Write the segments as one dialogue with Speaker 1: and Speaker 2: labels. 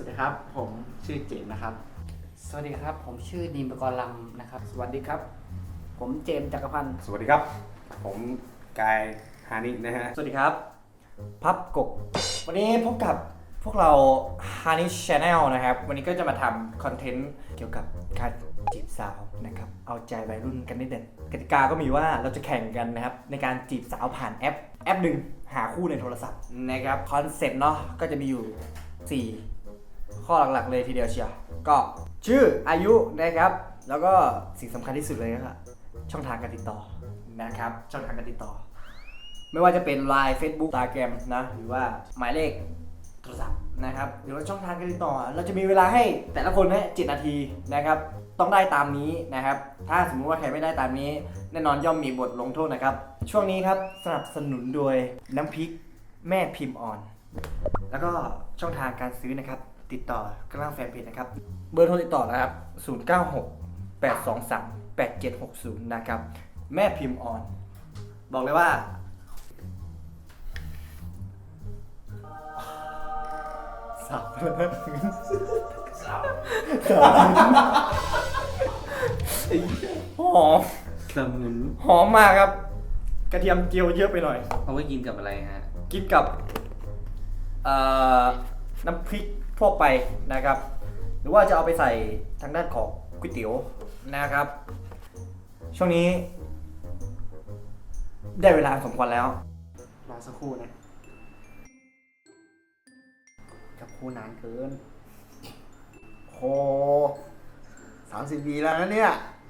Speaker 1: ดีครับผมชื่อเจมส์นะครับ
Speaker 2: สวัสดีครับผมชื่อดีมปกรณ์ลำนะครับสวัสดีครับผมเจมส์จักรพันธ์
Speaker 3: สวัสดีครับผมกายฮานินะฮะ
Speaker 4: สวัสดีครับพับกบวันนี้พบกับพวกเรา Honey Channel นะครับวันนี้ก็จะมาทำคอนเทนต์เกี่ยวกับการจีบสาวนะครับเอาใจวัยรุ่นกันนิดเด่นกติกาก็มีว่าเราจะแข่งกันนะครับในการจีบสาวผ่านแอปหนึ่งหาคู่ในโทรศัพท์นะครับคอนเซ็ปต์เนาะก็จะมีอยู่4ข้อหลักๆเลยทีเดียวเชียวก็ชื่ออายุนะครับแล้วก็สิ่งสำคัญที่สุดเลยก็คือช่องทางการติดต่อนะครับช่องทางการติดต่อไม่ว่าจะเป็น Line Facebook Instagram นะหรือว่าหมายเลขโทรศัพท์นะครับหรือว่าช่องทางการติดต่อเราจะมีเวลาให้แต่ละคนแค่7 นาทีนะครับต้องได้ตามนี้นะครับถ้าสมมุติว่าใครไม่ได้ตามนี้แน่นอนย่อมมีบทลงโทษนะครับช่วงนี้ครับสนับสนุนโดยน้ำพริกแม่พิมพ์อ่อนแล้วก็ช่องทางการซื้อนะครับติดต่อกระทั่งแฟนเพจนะครับเบอร์โทรติดต่อนะครับ096 823 8760นะครับแม่พิมพ์อ่อนบอกเลยว่าสับหอม
Speaker 1: สมุน
Speaker 4: หอมมากครับกระเทียมเจียวเยอะไปหน่อย
Speaker 1: เอาไว้กินกับอะไรฮะ
Speaker 4: กินกับน้ำพริกทั่วไปนะครับหรือว่าจะเอาไปใส่ทางด้านของก๋วยเตี๋ยวนะครับช่วงนี้ได้เวลาสมควรแล้วรอสักครู่นะกับคู่นานเกินโห30 ปีแล้วนะเนี่ย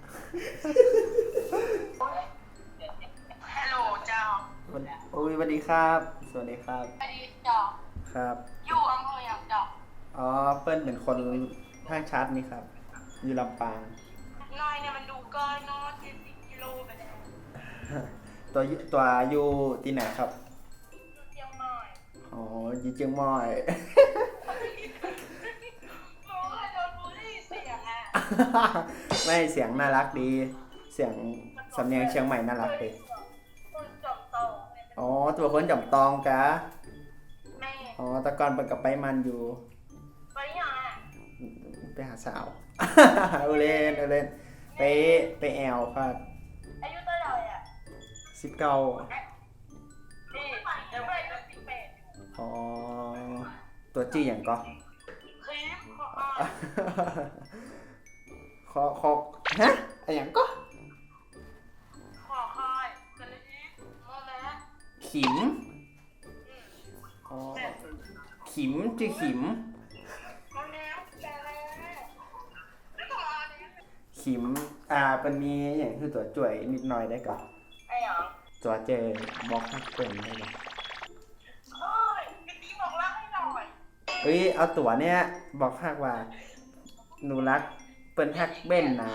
Speaker 5: ฮัลโหลเจ้า
Speaker 4: โอ้ยสวัสดีครับสวัสดีครับ
Speaker 5: สวัสดีเจ้า
Speaker 4: ครับ
Speaker 5: อยู่อำเภออย่างเจ้า
Speaker 4: อ๋อเปิ้ลเป็นคนท่าชัดนี่ครับอยู่ลำปาง
Speaker 5: น้อยเนี่ยมันดูเกินเนาะ70 กิโลไปแล้ว
Speaker 4: ตัวอยู่ที่ไหนครับ
Speaker 5: อยู่เชียงใหม่
Speaker 4: อ๋ออยู่เชียงใหม่
Speaker 5: โอ้ยโดนบูลลี่เสียงอ่ะ
Speaker 4: ไม่เสียงน่ารักดี เสียงสำเนียงเชียงใหม่น่ารักดี
Speaker 5: คนจบโตเนี่ย
Speaker 4: อ๋อตัวคนจำตองกะ
Speaker 5: แม่
Speaker 4: อ๋อแตะกอนเปิดกับไปมันอยู่
Speaker 5: ไปยังอ่ะ
Speaker 4: ไปหาสาว เอาเล่นไปแอลครับ
Speaker 5: อายุเท่าไหร่อ่ะ
Speaker 4: 19
Speaker 5: นี่เดี๋ยวไปจะ18
Speaker 4: อ๋อตัวจี้อย่างก็
Speaker 5: ครีมขอ
Speaker 4: ขอฮะอะไรอย่างก็
Speaker 5: ขอคอยกันเลยอีกโมแม่
Speaker 4: ขิมอ๋อขิมชื่อขิม
Speaker 5: โมแม่แต่แล้วไม่ต้องเอาเนี่ย
Speaker 4: ขิมเป็นมีอย่างคือตัวจ่วยนิดหน่อยได้ก่อน
Speaker 5: ไอ้หยัง
Speaker 4: ตัวเจบล็อกให้เป็นได้ก่อน
Speaker 5: โอ้ยกะทิบอกรักให้หน่อย
Speaker 4: เอ้ยเอาตัวเนี้ยบอกฮักว่าหนูรักเปิ้นฮักเบ้นนะ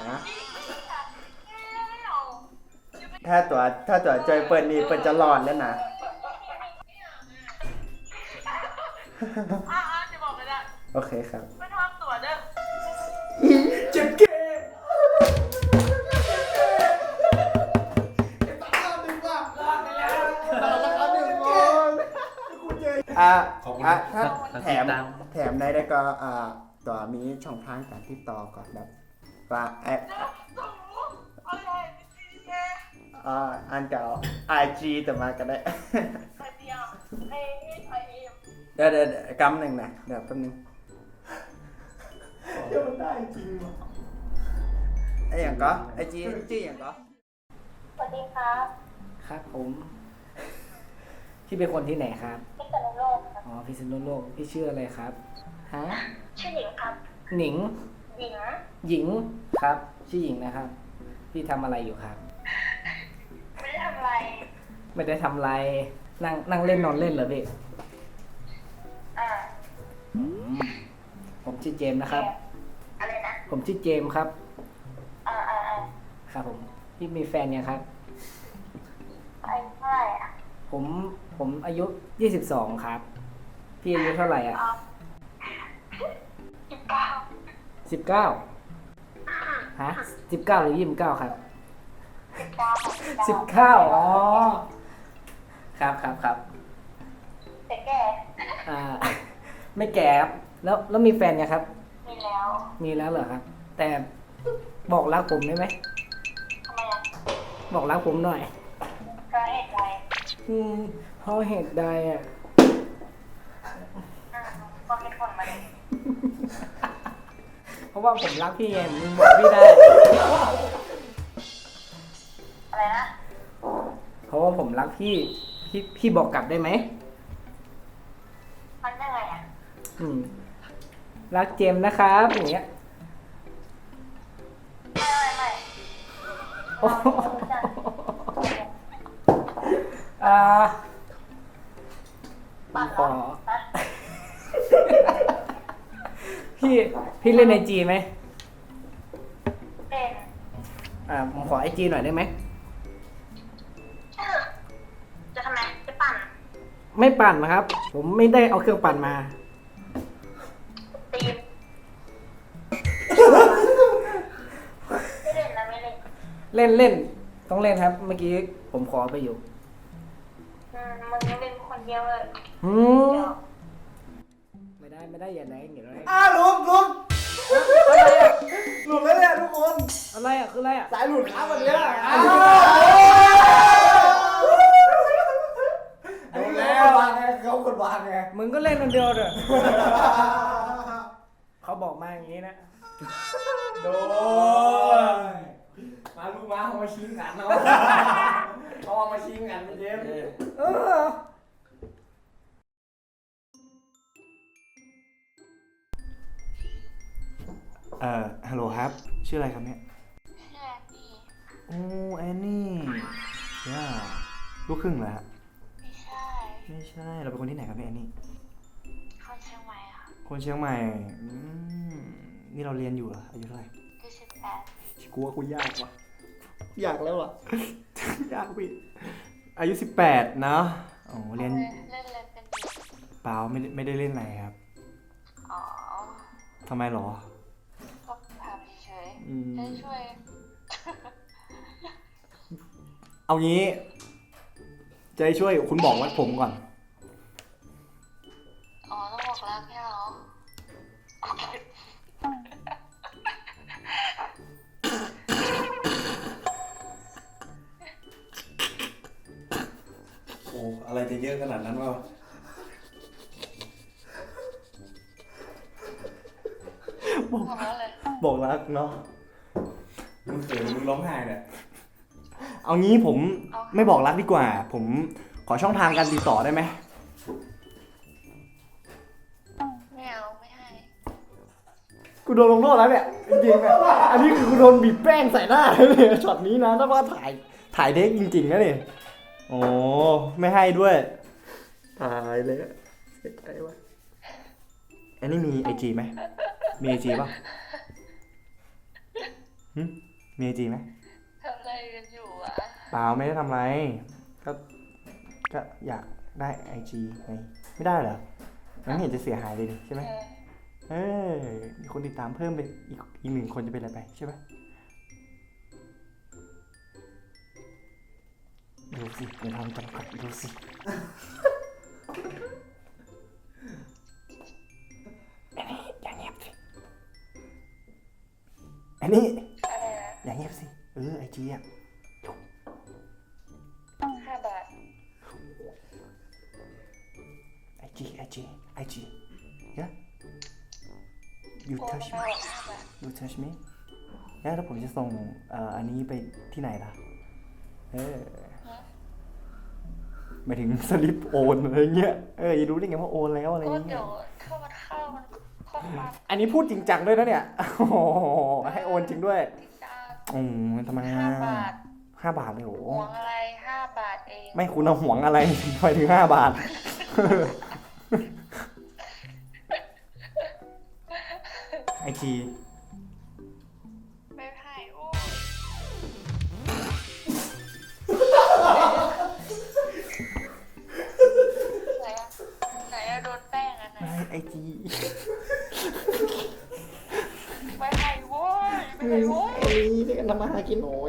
Speaker 4: ถ้าตัวจอยเปิ้นนี่เปิ้นจะรอดแล้วนะ
Speaker 5: จะบอกไม่ได้
Speaker 4: โอเคครับ
Speaker 5: ไม่ทำตัวเด้อ
Speaker 4: เจ็บเก้ถ้าแถมได้ก็ตัวมีช่องทางการติดต่อก่อนแบบว่าแอป
Speaker 5: อะไรดีแค่
Speaker 4: อันเก่า IG แต่มาก็ได้
Speaker 5: ไอเดียไอเอ็ม
Speaker 4: เดี๋ยวกำหนึ่งนะเดี๋ยวแป๊บนึงเดี๋ยวมันได้จริงวะไอ้อย่างก็ไอจีอย่างก็
Speaker 5: สวัสดีครับ
Speaker 2: ครับผมพี่เป็นคนที่ไหนครับ
Speaker 5: พิษณุโลกครับ
Speaker 2: อ๋อพิษณุโลกพี่ชื่ออะไรครับฮะ
Speaker 5: ชื่อหญิงครับ
Speaker 2: หนิง
Speaker 5: หญิง
Speaker 2: หญิงครับชื่อหญิงนะครับพี่ทำอะไรอยู่ครับ
Speaker 5: ไม่ได้ทำอะไร
Speaker 2: ไม่ได้ทำอะไรนั่งเล่นนอนเล่นเหรอพี่
Speaker 5: อ่า
Speaker 2: ผมชื่อเจมส์นะครับ
Speaker 5: อะไรนะ
Speaker 2: ผมชื่อเจมส์ครับ
Speaker 5: อ่า
Speaker 2: ครับผมพี่มีแฟนยังครับ
Speaker 5: ไอ้เท่าไหร่อ่ะ
Speaker 2: ผมอายุ22ครับพี่อายุเท่าไหร่อ่ะ
Speaker 5: 19
Speaker 2: 19ฮะ19หรือ29ครับ
Speaker 5: 19
Speaker 2: 19อ๋อครับ
Speaker 5: แต่แก่
Speaker 2: ไม่แก่ครับแล้วมีแฟนยังครับ
Speaker 5: มีแล้ว
Speaker 2: มีแล้วเหรอครับ แต่บอกรักผมได้ไหม
Speaker 5: ทำไมอ่ะ
Speaker 2: บอกรักผมหน่อย
Speaker 5: ก็เหตุใด
Speaker 2: เพราะเหตุใดอ่ะ
Speaker 5: ก็เป็นคนมาเลย
Speaker 2: เพราะว่าผมรักพี่ไงมึงบอกพี่ได้
Speaker 5: อะไรนะ
Speaker 2: เพราะว่าผมรักพี่บอกกลับได้ไหม
Speaker 5: มันยังไงอ่ะ
Speaker 2: รักเจมส์นะครับอย่างเงี้ย
Speaker 5: ไม่
Speaker 2: โอ้โหอ่า
Speaker 5: ปัด
Speaker 2: ข
Speaker 5: เหร
Speaker 2: อ
Speaker 5: อฮะ
Speaker 2: พี่เล่นไอจีไหม
Speaker 5: เป็น
Speaker 2: ผมขอไอจีหน่อยได้ไหม
Speaker 5: จะทำไมจะปั่น
Speaker 2: ไม่ปั่นนะครับ ผมไม่ได้เอาเครื่องปั่นมา
Speaker 5: ตีมไม่เล่นนะไม่เล่น
Speaker 2: เล่นต้องเล่นครับ เมื่อกี้ผมขอไปอยู่
Speaker 5: มึงยังเป็นคนเดียวเลย
Speaker 2: อืม
Speaker 5: เดี๋ยว
Speaker 2: ไม่ได้อย่าไหนอย่าไหน
Speaker 4: ลุง
Speaker 2: อะไรอ่ะ
Speaker 4: หลุดแล้วเนี่ยทุกคน
Speaker 2: อะไรอ่ะคืออะไรอ่ะ
Speaker 4: สายหลุดครับวันเนี้ย
Speaker 2: อ้าว
Speaker 4: ดูแล้ววางไงเขาคนวางไง
Speaker 2: มึงก็เล่นคนเดียวเด้อเขาบอกมาอย่างนี้นะ
Speaker 4: โดนมาลูกมาเอามาชิงกันเนาะเขาเอามาชิงกันเจมส์
Speaker 2: เออ
Speaker 4: ฮัลโหลครับ ชื่ออะไรครับเนี่ย
Speaker 5: แค่นี้
Speaker 4: โอ้แอนนี่ย่าลูกครึ่งเหรอฮะ
Speaker 5: ไม่ใช่
Speaker 4: ไม่ใช่ เราเป็นคนที่ไหนครับเนี่ยแอนนี่
Speaker 5: คนเชียงใหม่ค่ะ
Speaker 4: คนเชียงใหม่นี่เราเรียนอยู่เหรอ อายุเท่าไหร่
Speaker 5: 28
Speaker 4: กูว่ากูยากว่ะ ยากแล้วอ่ะ ยากพี่อายุ18เนาะอ๋อเรียน
Speaker 5: เล่นเล่นเป็นดี
Speaker 4: เปล่าไม่ได้เล่นอะไรครับ
Speaker 5: อ๋อ
Speaker 4: ทำไมหรอ
Speaker 5: ก็พาไปเฉย
Speaker 4: อืม
Speaker 5: ๆให้ช่วย
Speaker 4: เอางี้ จะให้ช่วยคุณบอกวัดผมก่อน
Speaker 5: อ๋อต้องบอกรักแค่เหรอโอเค
Speaker 3: โอ้อะไรจะเยอะขนาดนั้นวะ
Speaker 5: บอกแล้วเลย
Speaker 4: บอกรักเนาะ
Speaker 3: มึงเขินมึงร้องไห้เนี่ย
Speaker 4: เอางี้ผมไม่บอกรักดีกว่า ผมขอช่องทางการติดต่อได้ไหม
Speaker 5: ไม่เอาไม่ให้
Speaker 4: กูโดนลงโทษแล้วเนี่ยจริงๆอะอันนี้คือกูโดนบีบแป้งใส่หน้าเลยช็อตนี้นะถ้าว่าถ่ายเด็กจริงๆนะเนี่ยโอ้ไม่ให้ด้วยตายเลยอะเสียใจว่ะอันนี้มีไอจีไหมมีไอจีป่ะมีไอจีไหม
Speaker 5: ทำอะไรกันอยู่อ่ะ
Speaker 4: เปล่าไม่ได้ทำอะไรก็อยากได้ไอจีไงไม่ได้เหรอมันไม่เห็นจะเสียหายเลยดิใช่ไหมมีคนติดตามเพิ่มเป็นอีกหนึ่งคนจะเป็นอะไรไปใช่ไหมดูสิเดี๋ยวทำจำกัดดูสิอันนี้อย่างเงียบสิอันนี้
Speaker 5: อะไรนะ
Speaker 4: อย่างเงียบสิไอจีอ่ะ
Speaker 5: 5 บาท
Speaker 4: IG yeah you
Speaker 5: โอน
Speaker 4: touch
Speaker 5: มา
Speaker 4: me
Speaker 5: 5 บาท
Speaker 4: you touch me แล้วผมจะส่งอันนี้ไปที่ไหนล่ะหมายถึงสลิปโอนอะไรเงี้ยอย่ารู้ได้ไงว่าโอนแล้วอะไร
Speaker 5: ก็
Speaker 4: เงี้
Speaker 5: เดี๋
Speaker 4: ย
Speaker 5: ยวเข้ามันข้อความ
Speaker 4: อันนี้พูดจริงจังด้วยนะเนี่ยโอ้โหให้โอนจริงด้วย
Speaker 5: ติดตาม
Speaker 4: ทำไม
Speaker 5: 5 บาท
Speaker 4: 5 บาทเลยโห
Speaker 5: ห่วงอะไร 5 บาทเอง
Speaker 4: ไม่คุณเอาห่วงอะไรไปถึง5 บาท ไอจี
Speaker 5: ไม่ให้โอ้ไหนอะโดนแป้งอันไหน
Speaker 4: ไอจี
Speaker 5: ไม่ให้โว้ยไม่ให้โว้ย
Speaker 4: นี่ได้กันทำมาหากินโอ้ย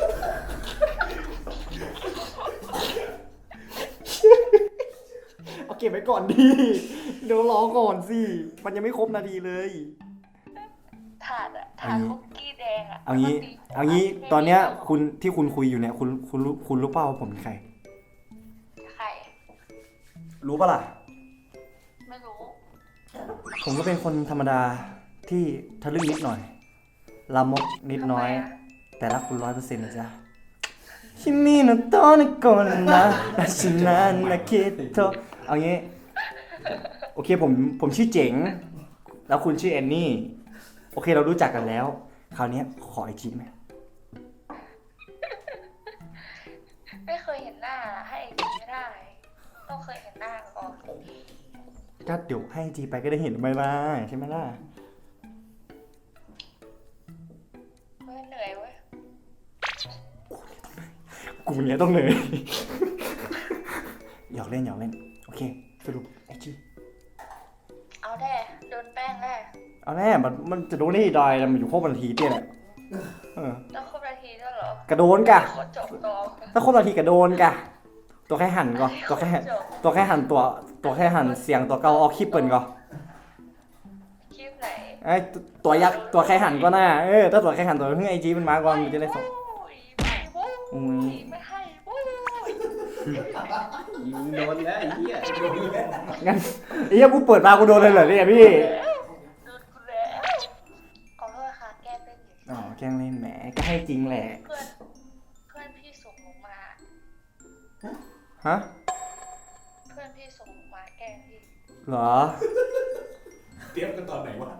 Speaker 4: เอาเก็บไว้ก่อนดิเดี๋ยวรอก่อนสิมันยังไม่ครบนาทีเลย
Speaker 5: ถาดคุกกี้แดงอะ
Speaker 4: เอางี้ตอนเนี้ยคุณที่คุณคุยอยู่เนี่ยคุณรู้เปล่าว่าผมเป็นใคร
Speaker 5: ใคร
Speaker 4: รู้ปะล่ะ
Speaker 5: ไม่รู้
Speaker 4: ผมก็เป็นคนธรรมดาที่ทะลึ่งนิดหน่อยลามกนิดน้อย แต่รักคุณ100%นะจ๊ะชิมิโนโตะนะโกนนะนาชินานาคิโตะเอางี้โอเคผมชื่อเจ๋งแล้วคุณชื่อแอนนี่โอเคเรารู้จักกันแล้วคราวนี้ขอไอจีไหม
Speaker 5: ไม่เคยเห็นหน้าให้ไอจีไม่ได้ ต้องเคยเห็นหน้าก่อน
Speaker 4: ก็เดี๋ยวให้ไอจีไปก็ได้เห็นไหมล่ะใช่ไหมล่ะ
Speaker 5: เฮ้ยเหนื่อยเว้ย
Speaker 4: กูเนี่ยต้องเลย หยอกเล่นโอเคสรุปไอจี
Speaker 5: เอาแน่โดนแป้งแน่
Speaker 4: เอาแน่มันจะโดนได้ดอยมันอยู่ครบนาทีเตี้ยแหละเออ
Speaker 5: ต้องครบนาทีด้วยเหรอก
Speaker 4: ระโดนกะ
Speaker 5: โคตรจบตัว
Speaker 4: ถ้าครบนาทีกระโดนกะตัวแค่หันก็ตัวแค่หันตัวแค่หันเสียงตัวเกาออกคลิปเปิ่นก็
Speaker 5: คลิปไหน
Speaker 4: ไอ้ตัวยักษ์ตัวแค่หันก็น่าถ้าตัวแค่หันตัวเพิ่งไอจีมันมาก่อนมันจะได้ส่ง
Speaker 5: ไม่ไม่ให้วู้ย
Speaker 1: ยิงโดนแล้วไอ้เหี้ยโดนแล้ว
Speaker 4: งั้นไอ้เหี้ยกูเปิดมากูโดนเลยเหรอเนี่ยพี่
Speaker 5: โดนกูแล้วขอโทษค่ะแก้เป็นอยู่
Speaker 4: อ๋อแกล้งเล่นแหมก็ให้จริงแหละ
Speaker 5: เพื่อนพี่ส่งหนูมา
Speaker 4: ฮะ
Speaker 5: เพื่อนพี่ส่งหนูมาแกล้งพี่
Speaker 4: เหรอ
Speaker 3: เตรียมกันตอนไหนวะ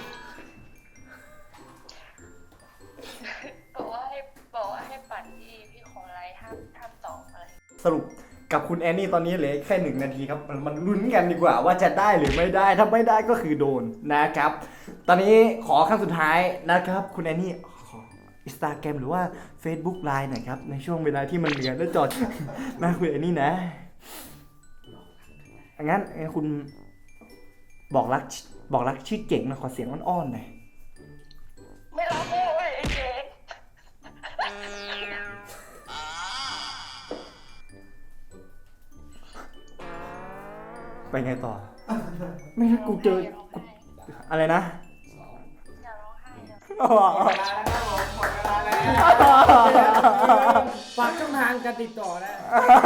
Speaker 5: บอกว่าให้ปั่นพี่ของไลน์ห้ามตอบอะไร
Speaker 4: สรุปกับคุณแอนนี่ตอนนี้เหลือแค่1 นาทีครับมันลุ้นกันดีกว่าว่าจะได้หรือไม่ได้ถ้าไม่ได้ก็คือโดนนะครับ ตอนนี้ขอครั้งสุดท้ายนะครับ คุณแอนนี่ขอ Instagram หรือว่า Facebook Line หน่อยครับในช่วงเวลาที่มันเหลือแล้วจอด มาคุณแอนนี่นะงั้นคุณบอกรักชื่อเก่งนะขอเสียงอ้อนๆหน่อย
Speaker 5: ไม่รับโว้ยไอ้เจ๊ง
Speaker 4: ไปไงต่อ ไม่ถ้ากูเจอกูอะไรนะ
Speaker 5: อย่าร้องไห้อย่า
Speaker 2: ฝากช่องทางการติดต่อนะ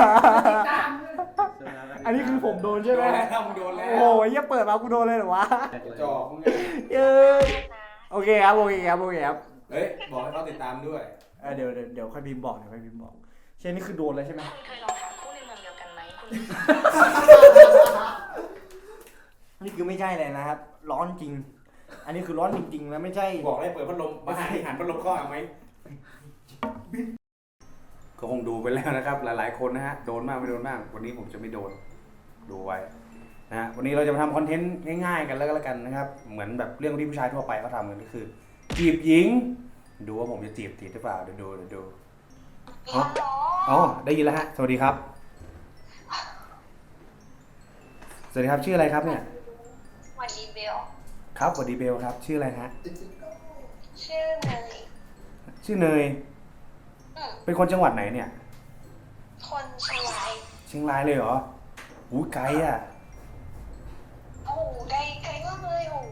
Speaker 4: อันนี้คือผมโดนใช่ไหม
Speaker 3: โดนแล้ว
Speaker 4: โอ้ยอย่าเปิดมากูโดนเลยเหรอวะ
Speaker 3: จอกมึงไง
Speaker 4: เอ้ย
Speaker 5: นะ
Speaker 4: โอเคครับโอเคครับ
Speaker 3: เฮ้ย บอกให้เขาติดตามด้วย
Speaker 4: เดี๋ยวค่อยพิมพ์บอกเช่นนี้คือโดนแล้วใช่ไหม
Speaker 5: คุณเคยลองหาคู่ในเมืองเดียวกันไหมคุณ
Speaker 4: นี่คือไม่ใช่เลยนะครับ ร้อนจริง อันนี้คือร้อนจริงๆแล้วไม่ใช่
Speaker 3: บอกให้เปิดพัดลมมาหาที่หันพัดลมเข้าเอาไหมก็คงดูไปแล้วนะครับ หลายๆคนนะฮะ โดนมากไม่โดนมาก วันนี้ผมจะไม่โดน ดูไว้นะฮะ วันนี้เราจะมาทำคอนเทนต์ง่ายๆกันแล้วกันนะครับ เหมือนแบบเรื่องที่ผู้ชายทั่วไปเขาทำกันก็คือ จีบหญิง ดูว่าผมจะจีบติดหรือเปล่าเดี๋ยวดู อ๋อ ได้ยินแล้วฮะ สวัสดีครับ สวัสดีครับ ชื่ออะไรครับเนี่ย
Speaker 5: วันดีเบล
Speaker 3: ครับ สวัสดีเบลครับ ชื่ออะไรฮะ
Speaker 5: ชื่อเนย
Speaker 3: ชื่อเนย เป็นคนจังหวัดไหนเนี่ย
Speaker 5: คนเชียงราย
Speaker 3: เชียงรายเลยเหรออู้ไกลอ่ะ
Speaker 5: โอ้โหไกลมากเลยโอ้โห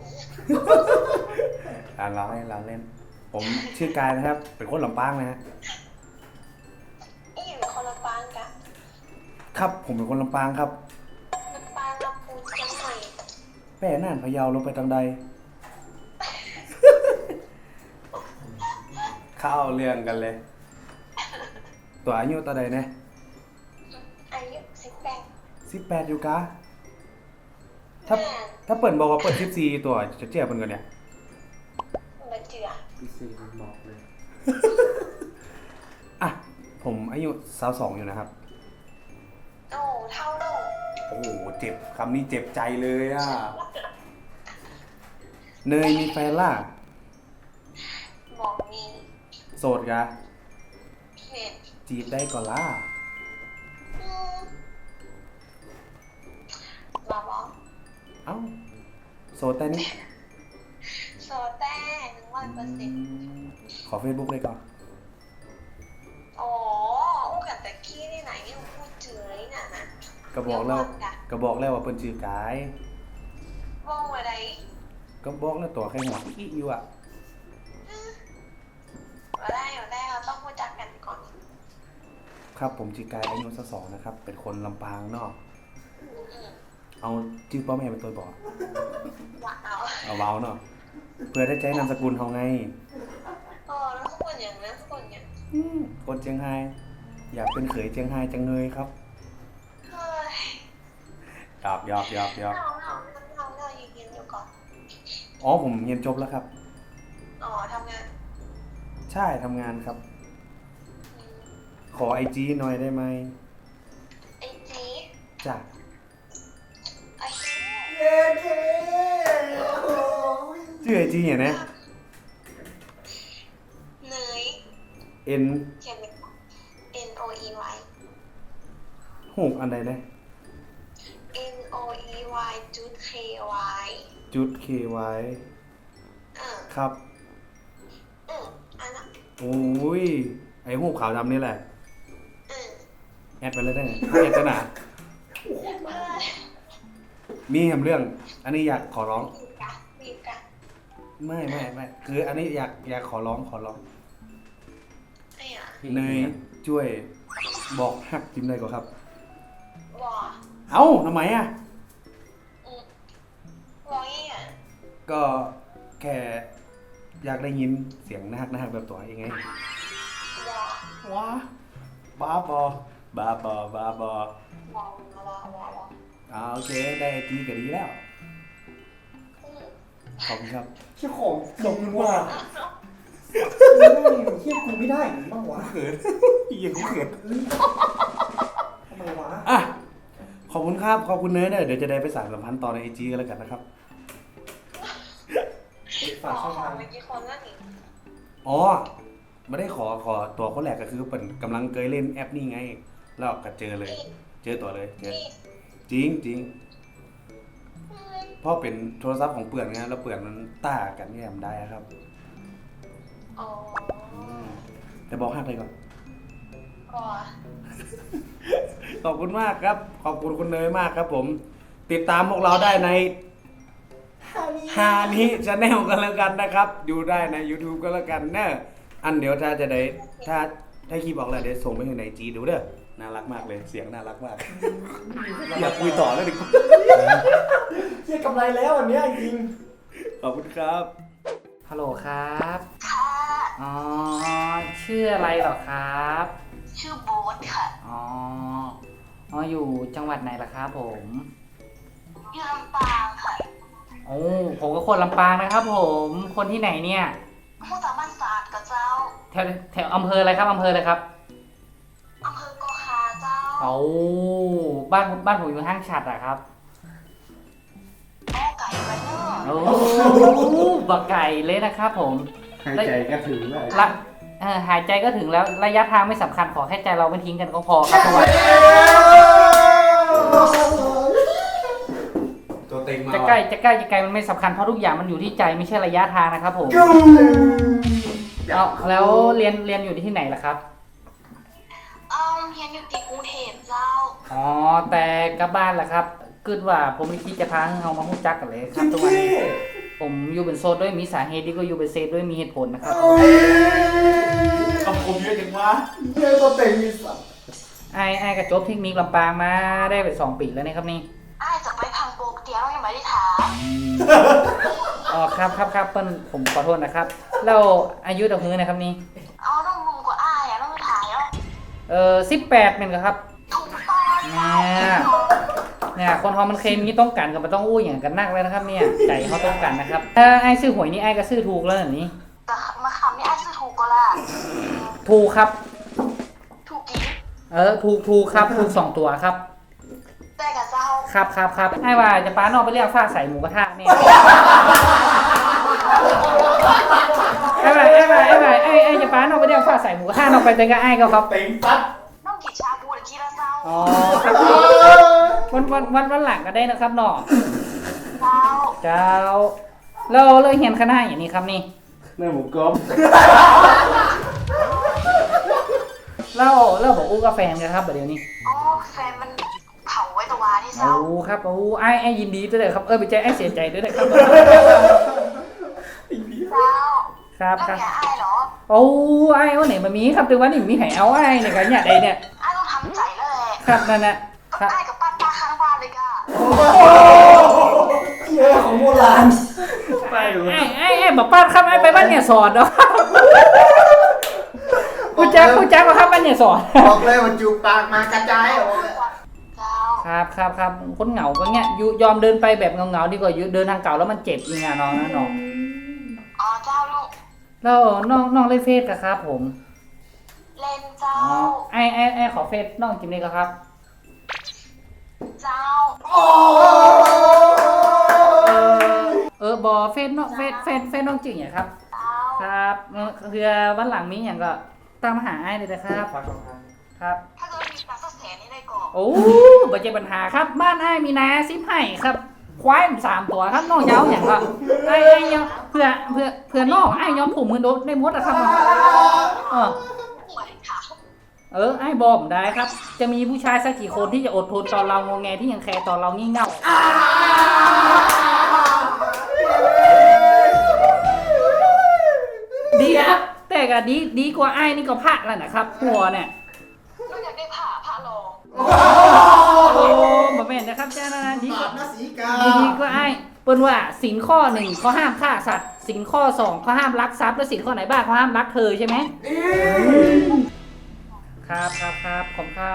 Speaker 3: เราเล่น ผมชื่อกายนะครับ เป็นคนลำปางนะฮะ
Speaker 5: นี่อยู่คนละปางกัน
Speaker 3: ครับ ผมเป็นคนลำปางครับ
Speaker 5: ลำปางลำพูนเชียงใหม่
Speaker 3: แม่น่านพะเยาลงไปทางใด เข้าเรื่องกันเลย ตัวอายุตัวใดเนี่ย
Speaker 5: อายุ
Speaker 3: 18อยู่กะถ้าเปิดบอกว่าเปิด14ตัวจะเจี๊ยบเป็นกันเนี่ย
Speaker 5: มาเจือ
Speaker 1: พี่ซีมันบอกเลย
Speaker 3: อ่ะ ผมอายุ22อยู่นะครับ
Speaker 5: โอ้เท่าโลก
Speaker 3: โอ้โห เจ็บคำนี้เจ็บใจเลยอ่ะ เนยมีแฟนล่ะ
Speaker 5: บอกมี
Speaker 3: โสดกะ
Speaker 5: เห็น
Speaker 3: จีบได้ก่อนล่ะ
Speaker 5: มาบอก
Speaker 3: เอ้า โสดแต่นี้
Speaker 5: โซแต่100%
Speaker 3: ขอเฟซบุ๊กเลยก่อน
Speaker 5: โอ้อู้กับตะกี้นี่ไหนยังพูดเจือเลยน่ะนะ
Speaker 3: ก็บอกแล้ว
Speaker 5: เดี๋ย
Speaker 3: ก็บอกแล้วว่าเพิ่นชื่อกาย
Speaker 5: ว่องไว้ใด
Speaker 3: ก็บอกแล้วตัวใครหัวขี้อยู่อ่ะ
Speaker 5: มาได้เราต้องรู้จักกันก่อน
Speaker 3: ครับผมชื่อกายอายุ22นะครับ เป็นคนลำปางเนาะ
Speaker 5: อืม
Speaker 3: เอาชื่อพ่อแม่เป็นตัวบอก
Speaker 5: ว่าเอา
Speaker 3: เอาเว้าเนาะเพื่อได้ใช้นามสกุลเฮาไง
Speaker 5: แล้วทุกคนอย่างนั้นทุกคนอย่าง
Speaker 3: คนเชียงไฮ้อยากเป็นเขยเชียงไฮ้จังเลยครับ
Speaker 5: เฮ้ย
Speaker 3: หยอก
Speaker 5: เรายืนอยู่ก่อน
Speaker 3: อ๋อผมเรียนจบแล้วครับ
Speaker 5: ทำงาน
Speaker 3: ใช่ทำงานครับ
Speaker 5: อืม
Speaker 3: ขอไอจีหน่อยได้ไหม
Speaker 5: ไอจี
Speaker 3: จ้ะ
Speaker 5: ไอจี
Speaker 4: เย้เค
Speaker 3: ชื่อไอจีเนี่ยนะ
Speaker 5: เนย
Speaker 3: N
Speaker 5: เขียนเป็น N O E Y
Speaker 3: หูกอันใดนะ
Speaker 5: N O E Y จุด K Y
Speaker 3: จุด KY ครับ
Speaker 5: อันนั้น
Speaker 3: โอ้ย ไอหูกขาวดำนี่แหละ แอดไปเลยได้ไงแอดจะหนามีแหมเรื่อง อันนี้อยากขอร้อง
Speaker 5: บีบกัน
Speaker 3: ไม่คืออันนี้อยากขอร้อง
Speaker 5: ไอ้อะ
Speaker 3: เนยช่วยบอกฮักจิมได้ก่อนครับ
Speaker 5: วอ
Speaker 3: เอ้าทำไมอ่ะ
Speaker 5: วอยี่อะ
Speaker 3: ก็แค่อยากได้ยินเสียงน่าฮักแบบตัวเองไง
Speaker 5: วอ
Speaker 3: ว้าบ้าบอโอเค ได้ไอจีก็ดีแล้ว ขอบคุณครับ
Speaker 4: เชี่ยของจริงว่ะเชี่ยกูไม่ได้หรือบ้างวะ
Speaker 3: เขินยังเขิน
Speaker 4: ทำไมวะ
Speaker 3: อ่ะ ขอบคุณครับ ขอบคุณเนยเนี่ยเดี๋ยวจะได้ไปสานสัมพันธ์ต่อในไอจีกันแล้วกันนะครับ
Speaker 4: ฝากช่องทาง
Speaker 5: เมื่อกี้คนนั่นนี่
Speaker 3: อ๋อไม่ได้ขอตัวคนแรกก็คือเป็นกำลังเคยเล่นแอปนี่ไง แล้วก็เจอเลย เจอตัวเลยเจอจริงเพราะเป็นโทรศัพท์ของเปื่อนไงแล้วเปื่อนมันต้ากันแง่มได้ครับ
Speaker 5: อ๋อ
Speaker 3: แต่บอกฮักเลยก่อน
Speaker 5: วอ
Speaker 3: ขอบคุณมากครับ ขอบคุณคุณเนยมากครับผม ติดตามพวกเราได้ในฮานิชาแนลกันแล้วกันนะครับ ดูได้ใน YouTube ก็แล้วกันเนอะอันเดี๋ยวถ้าจะได้ถ้าคลิปออกแล้วเดี๋ยวส่งไปให้ในจีดูเด้อน่ารักมากเลยเสียงน่ารักมาก อยากคุยต่อแล้วดิ
Speaker 4: เชี่ยกำไรแล้วอันเนี้ยจริง
Speaker 3: ขอบคุณครับ
Speaker 2: ฮัลโหลครับ
Speaker 5: ค่ะ
Speaker 2: อ๋อ ชื่ออะไรเหรอครับ
Speaker 5: ชื่อโบ๊ทค่ะ
Speaker 2: อ๋อ อยู่จังหวัดไหนล่ะครับผม
Speaker 5: อยู่ลำปางค่ะ
Speaker 2: โอ้ ผมก็คนลำปางนะครับผม คนที่ไหนเนี่ย
Speaker 5: ผู้สามารถศาสตร์กับเจ้า
Speaker 2: แถวอำเภออะไรครับอำเภออะไรครับ
Speaker 5: อำเภอโกคาเจ้า
Speaker 2: เอาบ้านผมอยู่ห้างฉัดอะครับ
Speaker 5: โอ้ไก่ไว้เนอะ
Speaker 2: โอ้บักไก่เลยนะครับผม
Speaker 1: หายใจก็ถึงเลย
Speaker 2: ละหายใจก็ถึงแล้วระยะทางไม่สำคัญขอแค่ใจเราไม่ทิ้งกันก็พอครับทุกวัน
Speaker 3: ตัวเต็งมา
Speaker 2: จะใกล้จะไกลมันไม่สำคัญเพราะทุกอย่างมันอยู่ที่ใจไม่ใช่ระยะทางนะครับผมเอาแล้วเรียนอยู่ที่ไหนล่ะครับ
Speaker 5: เฮียนอยู่ที่กรุงเทพเจ้า
Speaker 2: อ๋อแต่กลับบ้านล่ะครับคิดว่าผมไม่คิดจะพาเขามาพูดจักกันเลยครับทุกวันนี้ผมอยู่เป็นโซนด้วยมีสาเหตุที่ก็อยู่เป็นเซฟด้วยมีเหตุผลนะครับ
Speaker 3: คำคมเยอะจังวะ
Speaker 4: เชี่ยตัวเต็งมีสัตว์
Speaker 2: ไอ้กระจบเทคนิคลำปางมาได้ไป2 ปีแล้วนะครับนี่
Speaker 5: อ้ายจะไปพังโบกเดียวยังไม่ได้ถาม
Speaker 2: อ๋อครับเปิ้ลผมขอโทษนะครับเราอายุต่อมือนะครับนี่
Speaker 5: เอาต้องมุมกว่าอ้ายต้องไปถ่ายแล้ว
Speaker 2: 18เป็นครับ
Speaker 5: ถูกต้อง
Speaker 2: เนี่ยคนเขามันเคมีต้องการกับมันต้องอู้อย่างกันนักเลยนะครับเนี่ยใจเขาต้องการนะครับถ้าไอ้ซื้อหวยนี่ไอ้ก็ซื้อถูกแล้วแบบนี้
Speaker 5: แต่มาคำนี่อ้ายซื้อถูกก็ล่ะ
Speaker 2: ถูกครับ
Speaker 5: ถูกกี่
Speaker 2: ถูกครับถูก2 ตัวครับ
Speaker 5: แต่กับเจ้า
Speaker 2: ครับไอ้ว่าจะป้านอกไปเรียกฟ้าใส่หมูกระทะเนี่ยไอ้จะป้านอกไปเรียกฟ้าใส่หมูกระทะนอกไปเจอกับไอ้ก็ครับ
Speaker 3: เต็งซัด
Speaker 5: น้องกินชาบูหรือกินละเจ้า
Speaker 2: อ๋อครับวันหลังก็ได้นะครับเนาะ
Speaker 5: เจ้า
Speaker 2: เราเห็นคณะอย่างนี้ครับนี่
Speaker 3: แม่หมูกรอบ
Speaker 2: เราบอกอู้กาแฟนกันครับเดี๋ยวนี้
Speaker 5: อ๋อแฟนมันเผาไว้ตะวาที่เจ้า
Speaker 2: โอ้ครับโอ้ไอ้ยินดีด้วยเลยครับไปใจไอ้เสียใจด้วยนะครับ
Speaker 5: เจ้า
Speaker 2: ครับ
Speaker 5: แล้ว
Speaker 2: ครับ
Speaker 5: อย่าอายเหรอ
Speaker 2: โอ้ไอ้วันไหนมามีครับแต่ว่านี่มีไห้เอาไอ้เนี่ยกันเนี่ยใดเนี่ย
Speaker 5: อายต้องทำใจแล้วแหละ
Speaker 2: ครับนั่นน่ะค
Speaker 5: ก็
Speaker 2: รับ
Speaker 5: อายกับป้าข้างบ้านเลยก่ะ
Speaker 4: เยอะของโบราณ
Speaker 2: ไอ้บอกป้าครับไอ้ไปบ้านเนี่ยสอนเนาะกูแจ๊กมาครับบ้านเนี่ยสอน
Speaker 1: บอกเลยว่าจูบปากมากระจายออกเลย
Speaker 5: เจ้า
Speaker 2: ครับคนเหงาก็เงี้ยยอมเดินไปแบบเงาๆดีกว่าเดินทางเก่าแล้วมันเจ็บยังไงน้องนะน้อง
Speaker 5: อ๋อเจ้าลูก
Speaker 2: แล้วน้องเล่นเฟซกับครับผม
Speaker 5: เล่นเจ้า
Speaker 2: ไอ้ขอเฟซน้องจิมเลยครับ
Speaker 5: เจ้า
Speaker 2: บอเฟซน้องเฟซน้องจริงเหรอครับ
Speaker 5: เจ้า
Speaker 2: ครับคือวันหลังมีอย่างก็ตามหาไอ้เลยนะครับครับ
Speaker 5: ถ้าเกิดมีปลาสักแสนนี่ได้ก่อน
Speaker 2: โอ้บ่เจอปัญหาครับบ้านไอ้มีนาซิปให้ครับควายมัน3 ตัวครับน้องเย้าอย่างก็ไอ้ยอมเพื่อน้องไอ้ยอมผูกมือโดนได้หมดอะครับเออ
Speaker 5: หวยค่ะ
Speaker 2: ไอ้บอกผมได้ครับ จะมีผู้ชายสักกี่คนที่จะอดทนต่อเรางงแงที่ยังแคร์ต่อเรางี่เง่าดีครับแต่ก็ดีกว่าไอ้นี่ก็พลาดแล้วนะครับหัวเนี่ย
Speaker 5: ก็อยากได้ผ้าลอง
Speaker 2: โอ้บ่แม่นนะครับเจ้านะดีก
Speaker 1: ปา
Speaker 2: ว่า
Speaker 1: กนะสีกา
Speaker 2: ดีกว่าไอ้เปิ้นว่าสินข้อ1เขาห้ามฆ่าสัตว์สินข้อ2เขาห้ามลักทรัพย์แล้วสินข้อไหนบ้างเขาห้ามรักเธอใช่ไหมครับขอบคุณครับ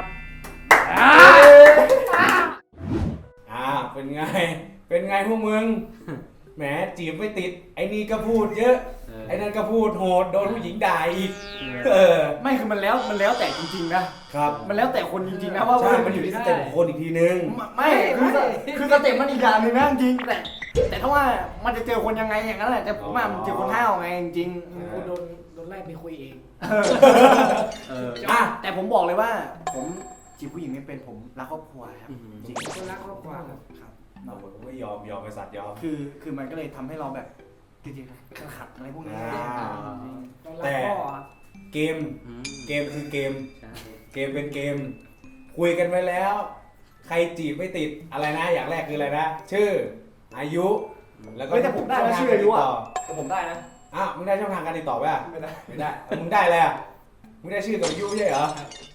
Speaker 3: เป็นไงพวกมึงแหมจีบไม่ติดไอ้นี่ก็พูดเยอะไอ้นั่นก็พูดโหดโดนผู้หญิงด่าอีก
Speaker 4: ไม่คือมันแล้วแต่จริงๆนะครับ มันแล้วแต่คนจริงๆนะว่า
Speaker 3: ใช่มันอยู่ที่สเต็ปของคนอีกทีนึง
Speaker 4: ไม่คือสเต็ปมันอีกอย่างหนึงนะจริงแต่ถ้าว่ามันจะเจอคนยังไงอย่างนั้นแหละแต่ผมว่ามันเจอคนห้าวไงจริงๆ
Speaker 3: กูโดน
Speaker 4: ไล่ไปคุยเอง
Speaker 3: อ่ะ
Speaker 4: แต่ผมบอกเลยว่า ผมจีบผู้หญิงไม่เป็นผมรักครอบครัวครับจริง
Speaker 1: คนรักครอบครัว
Speaker 4: ครับ
Speaker 3: เราไม่ยอมไปสัตว์ยอม
Speaker 4: คือมันก็เลยทำให้เราแบบจริงๆขัดอะไรพวกนี้
Speaker 3: แต่เกมคือเกมเป็นเกม คุยกันไว้แล้ว ใครจีบไม่ติดอะไรนะอย่างแรกคืออะไรนะชื่ออายุแล้วก็
Speaker 4: แต่ผมได้นะชื่ออายุอ่ะแต่ผมได้นะ
Speaker 3: อ้าวมึงได้ช่องทางการติดต่อป่ะ
Speaker 4: ไม่ได้
Speaker 3: มึงได้อะไรอ่ะมึงได้ชื่อกับอายุไม่ใช่เหรอ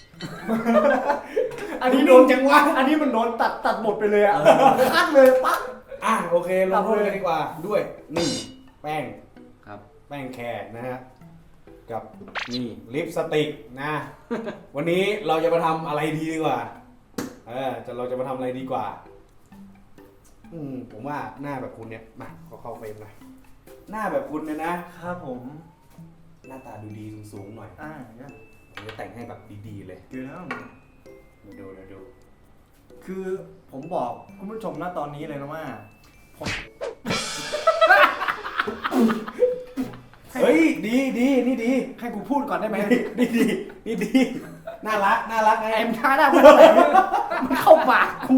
Speaker 4: อันนี้โดนจังวะอันนี้มันโดนตัดบทไปเลยอ่ะคัดเลยปั๊บ
Speaker 3: โอเคลงโทษกันดีกว่าด้วยนี่แป้ง
Speaker 1: ครับ
Speaker 3: แป้งแคร์นะฮะกับนี่ลิปสติกนะ วันนี้เราจะมาทำอะไรดีกว่าเราจะมาทำอะไรดีกว่าผมว่าหน้าแบบคุณเนี่ยมาเข้าเฟรมหน่อยหน้าแบบคุณเนี่ยนะครับ
Speaker 4: ผม
Speaker 3: หน้าตาดูดีสูงๆหน่อยผมจะแต่งให้แบบดีๆเลย
Speaker 4: เดี๋ยวนะ
Speaker 3: ดู
Speaker 4: คือผมบอกคุณผู้ชมนะตอนนี้เลยนะว่าผม
Speaker 3: เฮ้ยดีนี่ดี
Speaker 4: ให้กูพูดก่อนได้ไหม
Speaker 3: นี่ดีน่ารักไง
Speaker 4: ไอ้มท้าหน้ามันอะไรมันเข้าปากกู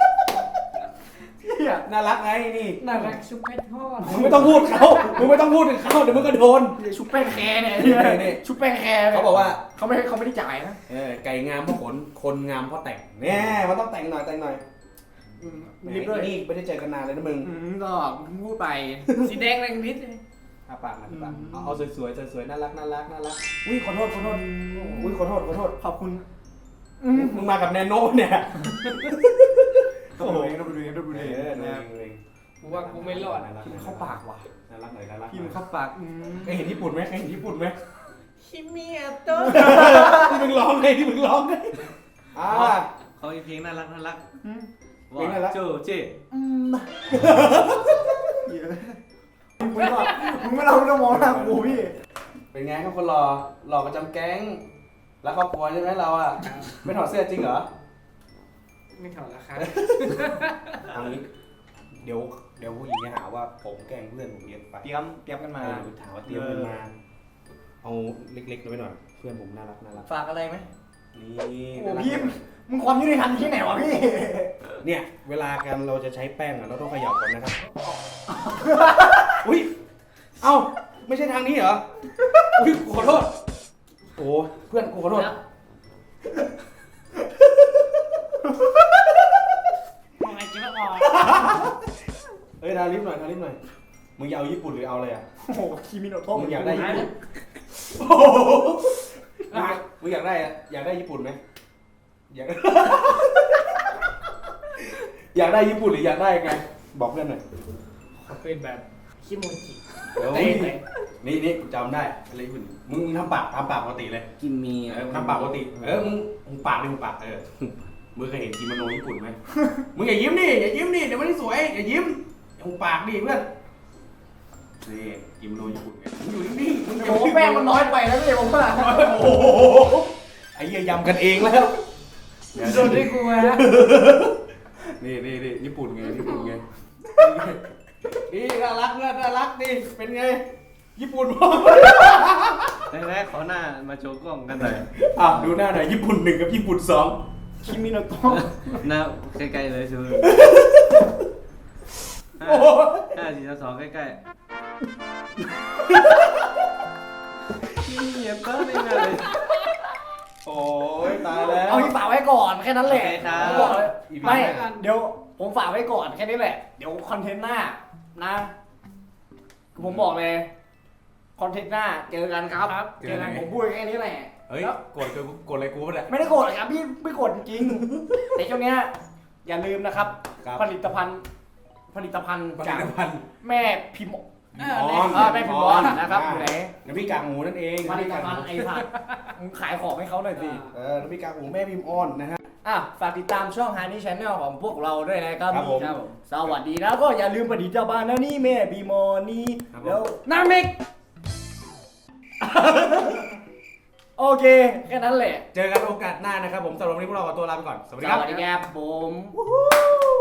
Speaker 4: เฮีย
Speaker 3: น่ารักไงนี่
Speaker 2: น่ารักชุบเพชรทอด
Speaker 3: มึงไม่ต้องพูดถึงเขาเดี๋ยวมึงก็โดน
Speaker 4: ชุบแป้งแคร์เนี่ย
Speaker 3: นี่
Speaker 4: ชุบแป้งแคร์
Speaker 3: เขาบอกว่า
Speaker 4: เขาไม่ได้จ่ายนะ
Speaker 3: ไก่งามเพราะขนคนงามเพราะแต่งแน่มันต้องแต่งหน่อย
Speaker 4: รีบด้วย
Speaker 3: นี่ไม่ได้เจอกันนานเลยนะมึง
Speaker 4: ก็พูดไปสีแดงแรงนิดเลย
Speaker 3: ปากเอาสวยน่ารักอุ้ยขอโทษอุ้ยขอโทษ
Speaker 4: ขอบคุณ
Speaker 3: มึงมากับแนโน่เนี่ย
Speaker 4: โอ้โหดูดู
Speaker 2: กูว่ากูไม่รอด
Speaker 4: พิมพ์เข้าปากว่ะ
Speaker 3: น่ารักหน่อย
Speaker 4: พิมพ์เข้าปาก
Speaker 3: เคยเห็นญี่ปุ่นไหม
Speaker 2: คิมิอาโตะ
Speaker 3: ที่มึงร้องไง
Speaker 1: เขามีเพลงน่ารัก
Speaker 3: เพลงน่ารัก
Speaker 1: โจเจ
Speaker 4: มึงไม่ต้องมองหน้ากูพี่
Speaker 3: เป็นไงครับคนหล่อประจำแก๊งแล้วครอบครัวใช่ไหมเราอ่ะไม่ถอดเสื้อจริงเหรอ
Speaker 2: ไม่ถอดราคา
Speaker 3: เอางี้เดี๋ยวผู้หญิงจะหาว่าผมแกล้งเพื่อนผมเยอะไป
Speaker 4: เตรียมกันมา
Speaker 3: ถามว่าเตรียมกันมาเอาเล็กๆไปหน่อยเพื่อนผมน่ารัก
Speaker 4: ฝากอะไรไหม
Speaker 3: นี่
Speaker 4: โอ้พี่มึงความยุติธรรมที่ไหนวะพี่
Speaker 3: เนี่ยเวลากันเราจะใช้แป้งเราต้องเขย่าก่อนนะครับอุ้ยเอ้าไม่ใช่ทางนี้เหรออุ้ยขอโทษโอ้เพื่อนกูขอโทษเฮ้ยทาลิปหน่อยทาลิปหน่อยมึงอยากเอาญี่ปุ่นหรือเอาอะไรอ่ะ
Speaker 4: โอ้โหคิมิโนโตะ
Speaker 3: มึงอยากได้ญี่ปุ่นมึงอยากได้อะอยากได้ญี่ปุ่นไหมอยาก อยากได้ญี่ปุ่นหรืออยากได้ไงบอกเพื่อนหน่อย
Speaker 2: เป็นแบบคิโมจิ
Speaker 3: เฮ้ยนี่กูจำได้อะไรญี่ปุ่นมึงทำปากปกติเลย
Speaker 1: กิมมี
Speaker 3: ทำปากปกติมึงปากดิมึงปากมึงเคยเห็นกิโมโนญี่ปุ่นไหมมึงอย่ายิ้มดิเดี๋ยวมันไม่สวยอย่ายิ้มมึงปากดิเพื่อนนี่กิโมโนญี่ปุ่นไงมึงอยู่นิ่งๆมึง
Speaker 4: โอ้โหแป้งมันน้อยไปแล้วพี่ผมว่า
Speaker 3: โอ้โหไอ้เหี้ยยำกันเองแล้ว
Speaker 2: โดนด้วยกูมา
Speaker 3: นี่ญี่ปุ่นไงนี่น่ารักดิเป็นไงญี่ปุ่นมั้ง
Speaker 1: แรกๆขอหน้ามาโชว์กล้องกันหน่อย
Speaker 3: ดูหน้าหน่อยญี่ปุ่น1กับญี่ปุ่น2
Speaker 4: คิมิโนโตะ
Speaker 1: หน้าใกล้ๆเลยชู
Speaker 3: โอ้
Speaker 1: 5 4 3 2ใกล้ๆเงียบก็ไม่ได้เลย
Speaker 3: โอ้ยตายแล้ว
Speaker 4: เอาที่ฝากไว้ก่อนแค่นั้นแหละ
Speaker 1: โอเคครับ
Speaker 4: ผมบอกเลย
Speaker 3: อีพี
Speaker 4: ไม่
Speaker 3: หน้า
Speaker 4: เดี๋ยวผมฝากไว้ก่อนแค่นี้แหละเดี๋ยวคอนเทนต์หน้านะผมบอกเลยคอนเทนต์หน้าเจอกันครับเจอกันผมพูดแค่นี้แหละ
Speaker 3: เฮ้ยกดอะไรกูวะเนี่ย
Speaker 4: ไม่ได้โกรธครับพี่ไม่โกรธจริงๆแต่ช่วงเนี้ยอย่าลืมนะครับ
Speaker 3: ครับ
Speaker 4: ผลิตภัณฑ์จากแม่พิมพ์ แม่พิมพ์ออนนะครับอยู่ไหน
Speaker 3: น้ำพริกกากหมูนั่นเอง
Speaker 4: ผลิตภัณฑ์ไอ้สัตว์มึงขายของให้เขาหน่อยสิ
Speaker 3: น้ำพริกกากหมูแม่พิมพ์ออนนะฮะ
Speaker 4: ฝากติดตามช่อง Honey Channel ของพวกเราด้วยนะครับ
Speaker 3: ครับผม
Speaker 4: สวัสดีนะก็อย่าลืมประดิษฐ์เจ้าบ้านนะนี่แม่บีมอนี่
Speaker 3: ครับผม
Speaker 4: แล้วน้ามิก โอเค แค่นั้นแหละ
Speaker 3: เจอกันโอกาสหน้านะครับผมสำหรับวันนี้พวกเราขอตัวลาไปก่อน สวัส
Speaker 4: ส
Speaker 3: ดีครับ
Speaker 4: วัสดีครับผม